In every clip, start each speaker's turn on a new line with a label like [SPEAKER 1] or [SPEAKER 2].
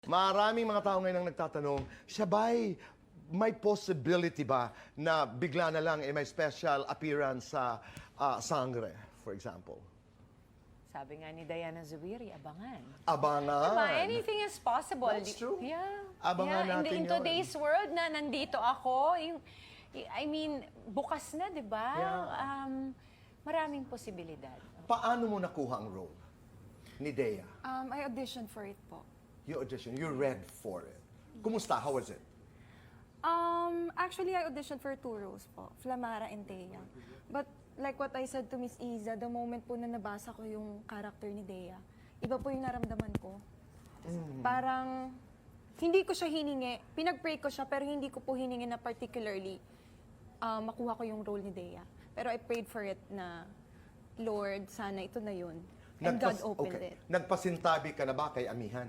[SPEAKER 1] Maraming mga tao ngayon ang nagtatanong, siya ba'y may possibility ba na bigla na lang may special appearance sa Sangre, for example?
[SPEAKER 2] Sabi nga ni Diana Zubiri, abangan.
[SPEAKER 1] Abangan.
[SPEAKER 2] Diba? Anything is possible.
[SPEAKER 1] That's true.
[SPEAKER 2] Yeah.
[SPEAKER 1] Abangan
[SPEAKER 2] yeah.
[SPEAKER 1] natin
[SPEAKER 2] In
[SPEAKER 1] yun.
[SPEAKER 2] today's world na nandito ako, I mean, bukas na, di ba?
[SPEAKER 1] Yeah.
[SPEAKER 2] Maraming posibilidad.
[SPEAKER 1] Paano mo nakuha ang role ni Dea?
[SPEAKER 3] I auditioned for it po.
[SPEAKER 1] You audition, you read for it. Kumusta? How was it?
[SPEAKER 3] Actually, I auditioned for 2 roles po, Flamara and Dea. But like what I said to Miss Iza, the moment po na nabasa ko yung character ni Dea, iba po yung naramdaman ko. Parang, hindi ko siya hiningi. Pinag-pray ko siya, pero hindi ko po hiningi na particularly makuha ko yung role ni Dea. Pero I prayed for it na, Lord, sana ito na yun. And God opened it.
[SPEAKER 1] Nagpasintabi ka na ba kay Amihan?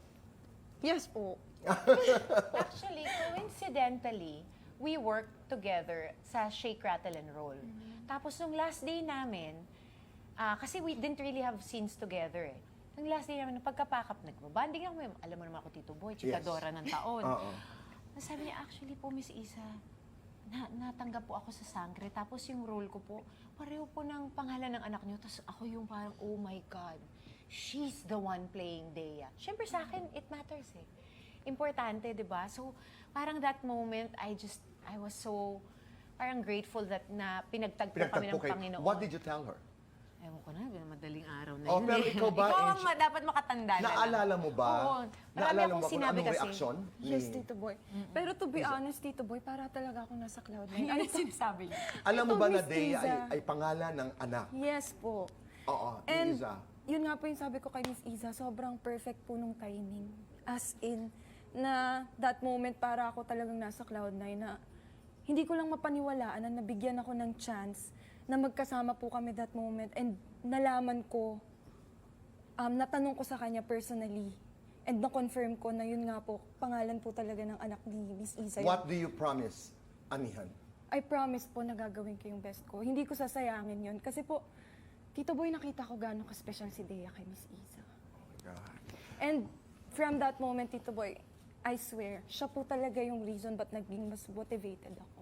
[SPEAKER 3] Yes po.
[SPEAKER 2] Actually, coincidentally, we worked together sa Shake, Rattle, and Roll. Tapos nung last day namin, kasi we didn't really have scenes together eh. Nung last day namin, nung pagkapakap, nagbabanding ako, alam mo naman ako, Tito Boy, chikadora ng taon. Sabi niya, actually po, Miss Isa, natanggap po ako sa Sangre. Tapos yung role ko po, pareho po ng pangalan ng anak niyo. Tapos ako yung parang, oh my God, she's the one playing Dea. Siyempre sa akin, it matters eh. Importante, di ba? So, parang that moment, I was so, parang grateful that na pinagtagpo kami ng Panginoon.
[SPEAKER 1] What did you tell her?
[SPEAKER 2] Ewan ko na, madaling araw na
[SPEAKER 1] Oh,
[SPEAKER 2] yun.
[SPEAKER 1] pero ikaw ba,
[SPEAKER 2] Ikaw ang dapat makatanda na.
[SPEAKER 1] Naalala mo ba?
[SPEAKER 2] Oo. Marami
[SPEAKER 1] Naalala
[SPEAKER 2] akong
[SPEAKER 1] mo ba kung
[SPEAKER 2] sinabi
[SPEAKER 1] anong
[SPEAKER 2] kasi.
[SPEAKER 1] reaksyon?
[SPEAKER 3] Yes, Tito Boy. Pero to be honest, Tito Boy, para talaga ako nasa cloud nine.
[SPEAKER 2] Ano sinasabi niya?
[SPEAKER 1] Alam mo
[SPEAKER 3] Ito,
[SPEAKER 1] ba na
[SPEAKER 3] Miss
[SPEAKER 1] Dea
[SPEAKER 3] Iza.
[SPEAKER 1] ay pangalan ng anak?
[SPEAKER 3] Yes po.
[SPEAKER 1] Oo, ni
[SPEAKER 3] And
[SPEAKER 1] Iza.
[SPEAKER 3] yun nga po yung sabi ko kay Miss Iza, sobrang perfect po nung timing. As in, na that moment para ako talagang nasa cloud nine na hindi ko lang mapaniwalaan na nabigyan ako ng chance na magkasama po kami that moment and nalaman ko, natanong ko sa kanya personally and na-confirm ko na yun nga po, pangalan po talaga ng anak ni Miss Iza.
[SPEAKER 1] What do you promise, Amihan?
[SPEAKER 3] I promise po na gagawin ko yung best ko. Hindi ko sasayangin yun. Kasi po, Tito Boy, nakita ko gano'ng ka-special si Dea kay Miss Iza.
[SPEAKER 1] God.
[SPEAKER 3] And from that moment, Tito Boy, I swear, siya po talaga yung reason ba't naging mas motivated ako.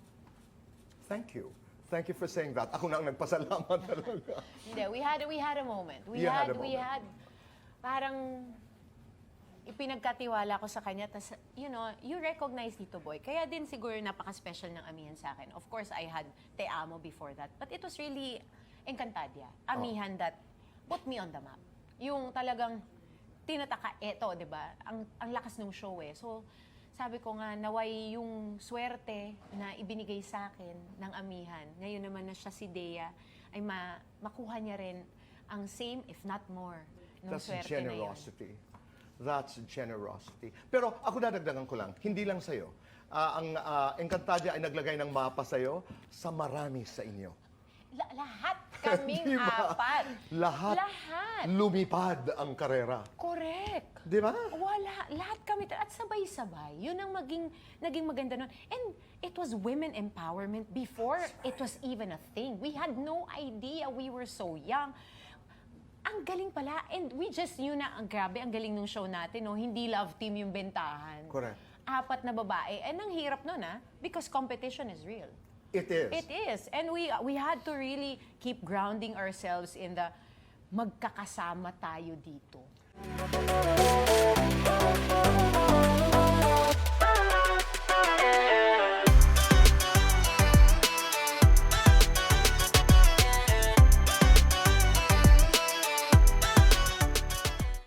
[SPEAKER 1] Thank you. Thank you for saying that. Ako na ang nagpasalamat talaga.
[SPEAKER 2] Hindi, we had a moment. We
[SPEAKER 1] You had a
[SPEAKER 2] had
[SPEAKER 1] moment.
[SPEAKER 2] parang ipinagkatiwala ko sa kanya. Tas, you know, you recognize Tito Boy. Kaya din siguro napaka-special ng Amihan sa akin. Of course, I had Te Amo before that. But it was really Encantadia. Amihan that put me on the map. Yung talagang tinataka, eto, di ba? Ang lakas ng show eh. So, sabi ko nga, naway yung swerte na ibinigay sa akin ng Amihan. Ngayon naman na siya si Dea, ay makuha niya rin ang same, if not more, ng
[SPEAKER 1] That's
[SPEAKER 2] swerte
[SPEAKER 1] generosity. That's generosity. Pero ako dadagdagan ko lang, hindi lang sa'yo. Ang Encantadia ay naglagay ng mapa sa'yo sa marami sa inyo.
[SPEAKER 2] na yun. Lahat kaming
[SPEAKER 1] Diba?
[SPEAKER 2] apat.
[SPEAKER 1] Lahat. Lumipad ang karera.
[SPEAKER 2] Correct.
[SPEAKER 1] Di ba?
[SPEAKER 2] Wala. Lahat kami. At sabay-sabay. Yun ang naging maganda nun. And it was women empowerment before it was even a thing. We had no idea. We were so young. Ang galing pala. And we just knew na, ang grabe, ang galing ng show natin. No? Hindi love team yung bentahan.
[SPEAKER 1] Correct.
[SPEAKER 2] 4 na babae. And ang hirap nun, because competition is real.
[SPEAKER 1] It is.
[SPEAKER 2] It is. And we had to really keep grounding ourselves in the magkakasama tayo dito.